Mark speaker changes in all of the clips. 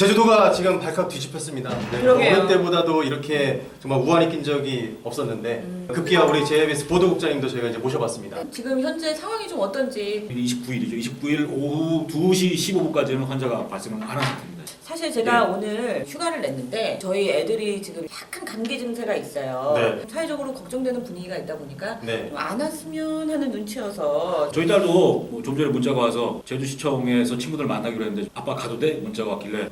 Speaker 1: 제주도가 지금 발칵 뒤집혔습니다. 네,
Speaker 2: 그러게요.
Speaker 1: 어느 때보다도 이렇게 정말 우환이 낀 적이 없었는데 급기야 우리 JIBS 보도국장님도 저희가 이제 모셔봤습니다.
Speaker 2: 지금 현재 상황이 좀 어떤지
Speaker 3: 29일이죠. 29일 오후 2시 15분까지는 환자가 발생을 안 한 상태입니다.
Speaker 2: 사실 제가
Speaker 3: 네.
Speaker 2: 오늘 휴가를 냈는데 저희 애들이 지금 약간 감기 증세가 있어요.
Speaker 1: 네.
Speaker 2: 사회적으로 걱정되는 분위기가 있다 보니까
Speaker 1: 네.
Speaker 2: 좀 안 왔으면 하는 눈치여서
Speaker 3: 저희 딸도 좀 전에 문자가 와서 제주시청에서 친구들 만나기로 했는데 아빠 가도 돼? 문자가 왔길래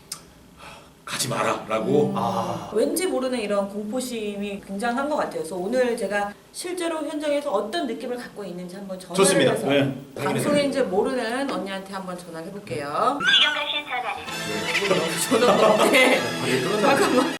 Speaker 3: 가지 마라 라고
Speaker 2: 왠지 모르는 이런 공포심이 굉장한 것 같아요. 그래서 오늘 제가 실제로 현장에서 어떤 느낌을 갖고 있는지 한번 전화를
Speaker 1: 좋습니다.
Speaker 2: 해서
Speaker 3: 네.
Speaker 2: 방송인지 모르는 언니한테 한번 전화를 해볼게요.
Speaker 4: 지금 가신 전화는
Speaker 2: 전화가 없네.
Speaker 1: 잠깐만.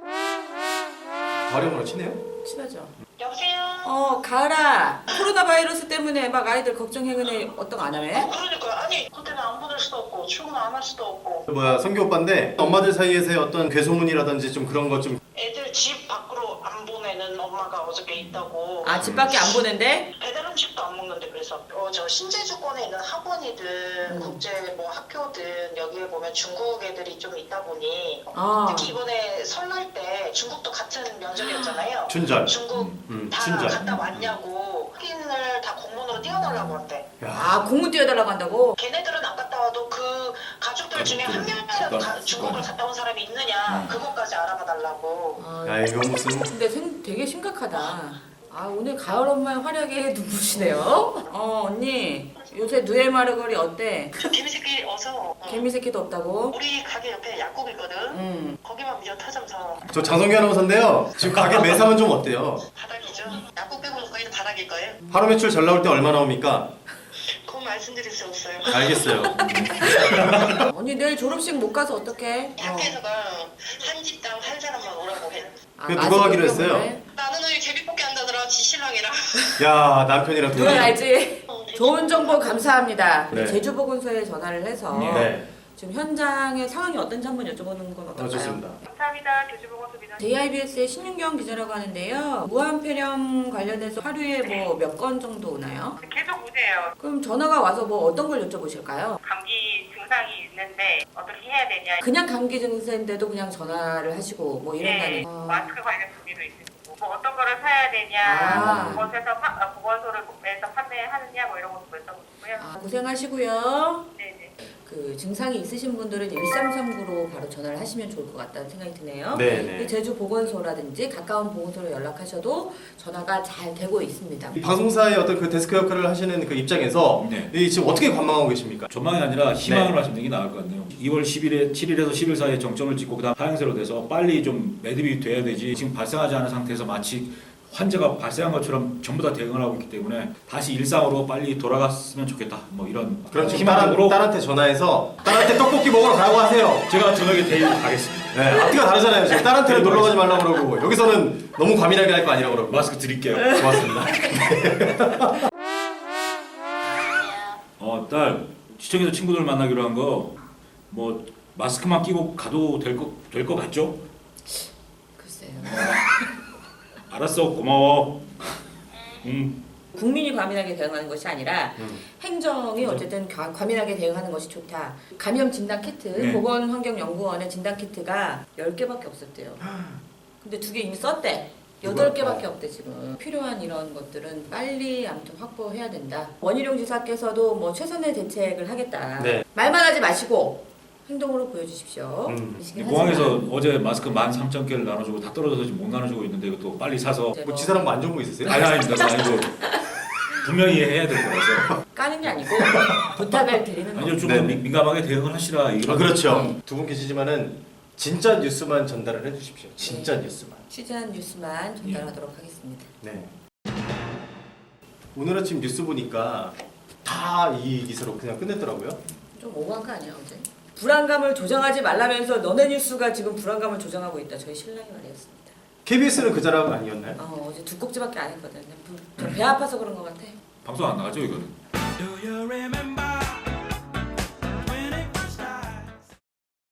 Speaker 1: 발음으로 치네요?
Speaker 2: 친하죠?
Speaker 4: 여보세요?
Speaker 2: 가을아. 코로나 바이러스 때문에 막 아이들 걱정해. 근데 어떤 안 하네?
Speaker 4: 그러니까 아니 그때는 안 보낼 수도 없고 출근 안 할 수도 없고
Speaker 1: 성규 오빠인데 엄마들 사이에서의 어떤 괴소문이라든지 좀 그런 것 좀
Speaker 4: 애들 집 밖으로 안 보내는 엄마가 어저께 있다고
Speaker 2: 집 밖에 안 보낸대?
Speaker 4: 배달 음식도 안 먹는데 그래서 저 신제주권에 있는 학원이든 국제 뭐 학교든 여기에 보면 중국 애들이 좀 있다 보니 특히 이번에 설날 때 중국도 같은 면접이었잖아요.
Speaker 1: 춘절.
Speaker 4: 중국 다
Speaker 1: 춘절.
Speaker 4: 갔다 왔냐고 확인을 다 공문으로 띄워달라고 한대.
Speaker 2: 공문 띄워달라고 한다고?
Speaker 4: 걔네들은 안 갔다 와도 그 가족들 중에 한 명이라도 중국을 갔다 온 사람이 있느냐 그것까지 알아봐 달라고.
Speaker 1: 야 이거 무슨
Speaker 2: 근데 되게 심각하다. 오늘 가을 엄마의 활약에 눈부시네요. 언니 요새 누에마르거리 어때?
Speaker 4: 그 개미새끼 어서
Speaker 2: 개미새끼도 없다고?
Speaker 4: 우리 가게 옆에 약국 있거든. 거기만 미저 타점 사.
Speaker 1: 저 장성규 아나운서인데요. 지금 가게 매상은 좀 어때요?
Speaker 4: 바닥이죠. 약국 빼고는 거의 다 바닥일 거예요.
Speaker 1: 하루 매출 잘 나올 때 얼마 나옵니까?
Speaker 4: 그건 말씀드릴 수 없어요.
Speaker 1: 알겠어요.
Speaker 2: 언니 내일 졸업식 못 가서 어떡해?
Speaker 4: 학교에서가 한 집당 한 사람만 오라고 해.
Speaker 1: 그 누가 하기로 했어요?
Speaker 4: 나는 오늘 제비뽑기 한다더라. 지 신랑이랑.
Speaker 1: 야 남편이랑
Speaker 2: 그건
Speaker 1: 둘이.
Speaker 2: 알지? 좋은 정보 감사합니다.
Speaker 1: 네.
Speaker 2: 제주보건소에 전화를 해서
Speaker 1: 네.
Speaker 2: 지금 현장의 상황이 어떤지 한번 여쭤보는 건 어떨까요?
Speaker 1: 좋습니다.
Speaker 4: 감사합니다. 제주보건소 민원.
Speaker 2: JIBS의 신윤경 기자라고 하는데요. 무한폐렴 관련해서 하루에 뭐 몇 건 정도 오나요?
Speaker 4: 계속 오세요.
Speaker 2: 그럼 전화가 와서 뭐 어떤 걸 여쭤보실까요?
Speaker 4: 감기 증상이 있는데 어떻게 해야 되냐.
Speaker 2: 그냥 감기 증세인데도 그냥 전화를 하시고 뭐 이런다는.
Speaker 4: 마스크 관련 문의도 있으시고 뭐 어떤 거를 사야 되냐. 보건소에서 판매하느냐 뭐 이런 것도 여쭤보고요.
Speaker 2: 고생하시고요.
Speaker 4: 네네.
Speaker 2: 그 증상이 있으신 분들은 1339로 바로 전화를 하시면 좋을 것 같다는 생각이 드네요.
Speaker 1: 네네.
Speaker 2: 제주 보건소라든지 가까운 보건소로 연락하셔도 전화가 잘 되고 있습니다.
Speaker 1: 이 방송사의 어떤 그 데스크 역할을 하시는 그 입장에서
Speaker 3: 네.
Speaker 1: 이 지금 어떻게 관망하고 계십니까?
Speaker 3: 전망이 아니라 희망을
Speaker 1: 네.
Speaker 3: 말씀드리는 게 나을 것 같네요. 2월 7일에서 10일 사이에 정점을 찍고 그다음 하향세로 돼서 빨리 좀 매듭이 돼야 되지 지금 발생하지 않은 상태에서 마치 환자가 발생한 것처럼 전부 다 대응을 하고 있기 때문에 다시 일상으로 빨리 돌아갔으면 좋겠다. 뭐 이런
Speaker 1: 그럼 지금
Speaker 3: 희망으로
Speaker 1: 딸한테 전화해서 딸한테 떡볶이 먹으러 가라고 하세요.
Speaker 3: 제가 저녁에 데리고 가겠습니다.
Speaker 1: 네, 앞뒤가 다르잖아요. 지금 딸한테는 놀러 가지 말라고 그러고 여기서는 너무 과민하게 할 거 아니라고 그러고.
Speaker 3: 마스크 드릴게요.
Speaker 1: 고맙습니다.
Speaker 3: 딸 시청에서 친구들 만나기로 한 거 뭐 마스크만 끼고 가도 될 거 같죠?
Speaker 2: 글쎄요.
Speaker 3: 알았어, 고마워.
Speaker 2: 국민이 과민하게 대응하는 것이 아니라 행정이 어쨌든 과민하게 대응하는 것이 좋다. 감염 진단 키트,
Speaker 3: 네.
Speaker 2: 보건환경연구원의 진단 키트가 10개밖에 없었대요. 근데 2개 이미 썼대. 8개밖에 없대 지금. 필요한 이런 것들은 빨리 아무튼 확보해야 된다. 원희룡 지사께서도 뭐 최선의 대책을 하겠다.
Speaker 1: 네.
Speaker 2: 말만 하지 마시고 행동으로 보여주십시오. 이시긴
Speaker 3: 공항에서
Speaker 2: 하지만.
Speaker 3: 어제 마스크 13,000개를 나눠주고 다 떨어져서 지금 못 나눠주고 있는데 이것도 빨리 사서
Speaker 2: 이제
Speaker 1: 뭐 지사랑 뭐 안 좋은 거 있으세요?
Speaker 3: 아닙니다. 아니고 분명히 해야 될 거라서
Speaker 2: 까는 게 아니고 부탁을 드리는
Speaker 3: 아니요
Speaker 2: 거죠.
Speaker 3: 좀
Speaker 1: 네네.
Speaker 3: 민감하게 대응을 하시라 이런
Speaker 1: 그렇죠. 두 분 계시지만은 진짜 뉴스만 전달을 해주십시오. 진짜 뉴스만.
Speaker 2: 취재한 뉴스만 전달하도록 하겠습니다.
Speaker 1: 네. 오늘 아침 뉴스 보니까 다 이 기사로 그냥 끝냈더라고요.
Speaker 2: 좀 오버한 거 아니야 어제? 불안감을 조장하지 말라면서 너네 뉴스가 지금 불안감을 조장하고 있다. 저희 신랑이 말이었습니다.
Speaker 1: KBS는 그 자락 아니었나요?
Speaker 2: 어제 2꼭지밖에 안 했거든. 배 아파서 그런 것 같아.
Speaker 3: 방송 안 나가죠 이거는.
Speaker 5: Do you remember